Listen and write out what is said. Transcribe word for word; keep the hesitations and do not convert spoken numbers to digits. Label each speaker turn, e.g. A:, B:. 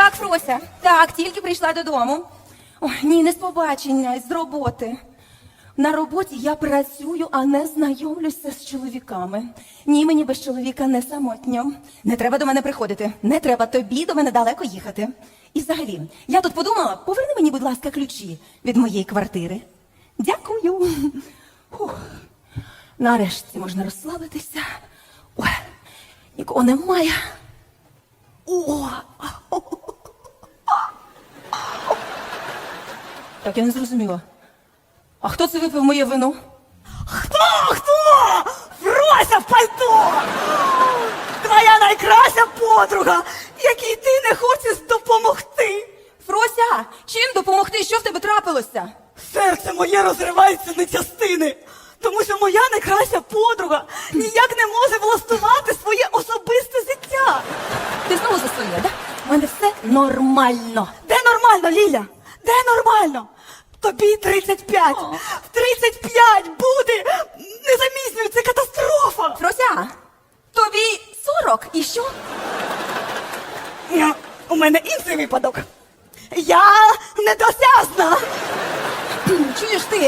A: Так, Фрося, так, тільки прийшла додому. Ой, ні, не з побачення, з роботи. На роботі я працюю, а не знайомлюся з чоловіками. Ні, мені без чоловіка не самотньо. Не треба до мене приходити. Не треба тобі до мене далеко їхати. І взагалі, я тут подумала, поверни мені, будь ласка, ключі від моєї квартири. Дякую. Фух. Нарешті можна розслабитися. Ой, нікого немає. О! Так, я не зрозуміла. А хто це випив моє вино?
B: Хто? Хто? Фрося в пальто! Твоя найкраща подруга, якій ти не хочеш допомогти.
A: Фрося, чим допомогти? Що в тебе трапилося?
B: Серце моє розривається на частини, тому що моя найкраща подруга ніяк не може влаштувати своє особисте життя.
A: Ти знову за своє, так? У мене все нормально.
B: Де нормально, Ліля? Де нормально? Тобі тридцять п'ять. В тридцять п'ять буде незаміснюю, це катастрофа.
A: Фрося, тобі сорок і що?
B: Ня, У мене інший випадок. Я недосяжна.
A: Чуєш ти?